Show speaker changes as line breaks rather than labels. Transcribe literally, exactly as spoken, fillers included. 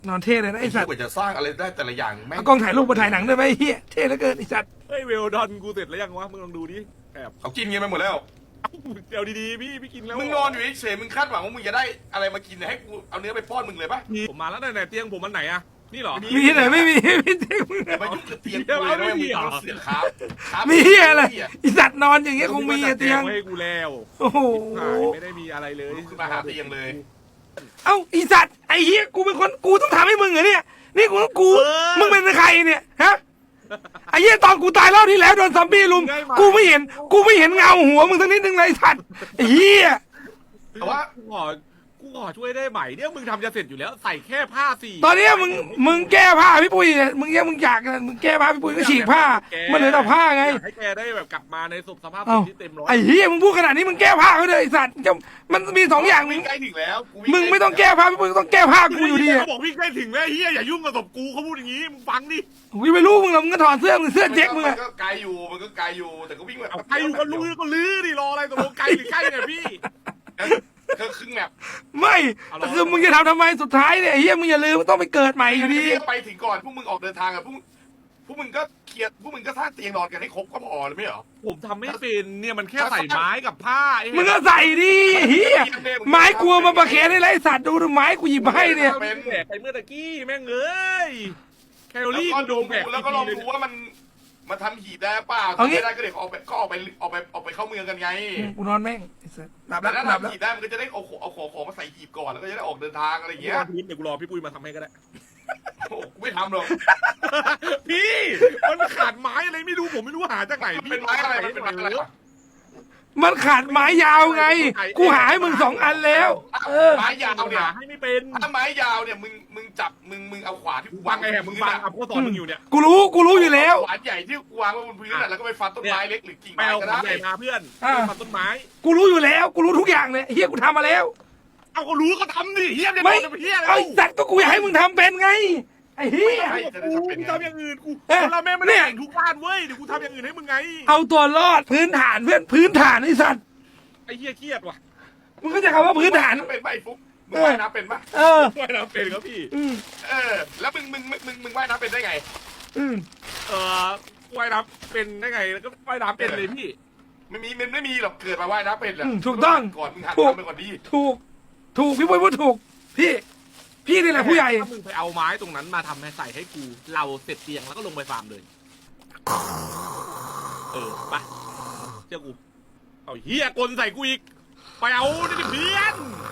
นอนเท่เลยนะไอ้สัตว์
กว่าจะสร้างอะไรได้แต่ละอย่างแม่ง
เอากล้องถ่ายรูปมาถ่ายหนังได้ไหมเฮียเท่เหลือเกินไอ้สัตว์
เฮ้ยเวลดอนกูเสร็จแล้วยังวะมึงลองดูดิแอบ
เขากินกันไปหมดแล้ว
เดี๋ยวดีๆพี่พี่กินแล้ว
มึงนอนอยู่เฉยๆมึงคาดหวังว่ามึงจะได้อะไรมากินเนี่ยให้กูเอาเนื้อไปป้อนมึงเลยปะ
ผมมาแล้วไหนเตียงผมมันไหนอะนี่เหรอ
มีที่ไหนไม่มีไม่เท่มึง
อย่ามายุ่งกับเตียงกูเลยนะมึงต้องเสียครับครับ
มีเฮียอะไรไอ้สัตว์นอนอย่างเงี้ยคงมีอะเตียง
ให้กูแล้ว
โอ้โห
ไม่ได้มีอะไรเลย
ขึ้นมาหาเตียงเลย
เอ้าไอ้สัตว์ไอ้เฮียกูเป็นคนกูต้องทำให้มึงเหรอเนี่ยนี่กูกูมึงเป็นใครเนี่ยฮะไอ้เหี้ยตอนกูตายรอบที่แล้วโดนซอมบี้ลุมกูไม่เห็นกูไม่เห็นเงาหัวมึงสักนิดนึงเลยสัตว์ไอ้เหี้ย
แต่ว่า
กูขอกูขอช่วยได้ไหมเนี่ยมึงทำจะเสร็จอยู่แล้วใส่แค่ผ้าสี่
ตอนเนี้ยมึงมึงแก้ผ้าพี่ปุ้ยเนี่ยมึงยังมึงอยากมึงแก้ผ้าพี่ปุ้ยก็ฉีกผ้ามันเหลือแต่ผ้าไง
อยากให้แกได้แบบกลับมาในสภาพ
เอ้า
ที่เต็มร้อย
ไอ้เหี้ยมึงพูดขนาดนี้มึงแก้ผ้าเขาเลยไอ้สัตว์จะมันมีสองอย่างมึ
วิ่
ง
งใกล้ถึงแล้ว
มึงไม่ต้องแก้ผ้าพี่ปุ้ยก็ต้องแก้ผ้ากูอยู่ดี
เขา
อะ
บอกวิ่งใกล้ถึงแล้วเฮียอย่ายุ่งกับศพกูเขาพูดอย่างนี้มึงฟังดิ
กูไม่รู้มึงหรอกมึงก็ถอดเสื้อมึงเสื้อเจ๊กมึง
มั
อะ
นก็ไกลอยู่มันก็ไกลอยู่แต่ก็วิ่งแบบ
เอาใครอยู่ก็ลื้อก็ลื้อดิรออะไรตกลงไกลหรือใกล้เนี่ยพี่
ก็ครึ่งแบบ
ไม่แต่คือมึงจะทำทำไมสุดท้ายเนี่ยไอ้เหี้ยมึงอย่าลืมต้องไปเกิดใหม่อยู่ดี
ไปถึงก่อนพวกมึงออกเดินทางอะพวกพวกมึงก็เคลียร์พวกมึงก็สร้างเตียงนอนกันให้ครบก็พอเลยไม่เหรอ
ผมทำไม่เป็นเนี่ยมันแค่ใส่ไม้กับผ้าไอ้
มึงก็ใส่ดิเฮียไม้กลัวมาประเคนได้ไรสัตว์ดูดูไม้กูหยิบมาให้เนี่ย
เป็นแดกไปเมื่อตะกี้แม่งเอ้ยแคลอ
แล้ว
รี่
ก็
กูโด
ดู
นแดก
แล้วก็ลองดูว่ามันมันทำหีบได้เปล่าถ้าไม่ได้ก็เดี๋ยวออกไปก็ออกไปออกไปออกไปเข้าเมืองกันไง
กูนอนแม่งไอ้สัตว์หลับ
แต่
แล้ว
ถ้า
หลับแล้ว
ทำหีบได้มันก็จะได้เอาของเอาของของมาใส่หีบก่อนแล้วก็จะได้ออกเดินทางอะไรอย่าง
เงี้
เงี้
ย
ย
เดี๋ยวกูรอพี่ปุ้ยมาทำให้ก็ได้
โอ้กูไม่ทำหรอก
พี่มันขาดไม้อะไรไม่รู้ผมไม่รู้หาจากไหน
มันเป็นไม้อะไรมันเป็นไม้อะไรวะ
มันขาดไม้ยาวไง กูหาให้มึงสองอันแล้ว เออ
ไม้ยาวเนี่ย
หาให้ไม่เป็น
ถ้าไม้ยาวเนี่ยมึงมึงจับมึงมึงเอาขวานที่กู
ฟั
วาง ง
ไงแหมมึงฟังอ่ะพ่อสอนมึงอยู่เนี่ย
กูรู้กูรู้อยู่แล้ว
ขวานใหญ่ที่กูวางไว้บนพื้นน่ะแล้วก็ไปฟันต้นไม้เล็กหรือกิ่ง
ไป
ไม้
เอา
ก็
ของ
ได้
ใหญ่มาเพื่อน
อ่า
ฟันต้นไม้
กูรู้อยู่แล้ว กูรู้ทุกอย่างเลยไอ้เฮียกูทำมาแล้ว
เอาก็รู้ก็ทำดิเฮียเนี่ย
ไม่
โดนเฮียอะไร
ไอ้สัตว์ก็กูอยากให้มึงทำเป็นไง ไอ้เฮีย
ไม่จะได้
กู
ทำเป็นไง
ทำอย่างอื่นกู
เอ๊ะ
เราแม่ไม่ได้แต่งทุกบ้านเว้ยเดี๋ยวกูทำอย่างอื่นให้มึงไง
เอาตัวรอดพื้นฐานเพื่อนพื้นฐานไอ้สัตว์
ไอ้เฮียเครียดว่ะ
มึงก็จะคำว่าพื้นฐาน
เป็นปะไอ้ฟุ๊กมึงว่ายน้ำเป็นปะ
เออ
ว่ายน้ำเป็นครับพี่
อืม
เออแล้วมึงมึงมึงมึงมึงว่ายน้ำเป็นได้ไง
อืม
เออว่ายน้ำเป็นได้ไงแล้วก็ว่ายน้ำเป็นเลยพี่
ไม่มีมันไม่มีหรอกเกิดมาว่ายน้ำเป็นหรอก
อืมถูกต้อง
ก่อนมึงหัด
ถูก
ทำไปก่อนดี
ถูก ถูกพี่ปุ้ยพูดถูก พี่ พี่นี่แหละผู้ใหญ่
ถ้ามึงไปเอาไม้ตรงนั้นมาทำให้ใส่ให้กู เราเสร็จเตียงแล้วก็ลงไปฟาร์มเลย เออไปเจ้ากู เอาเฮียกลใส่กูอีก ไปเอาดิเพื่อน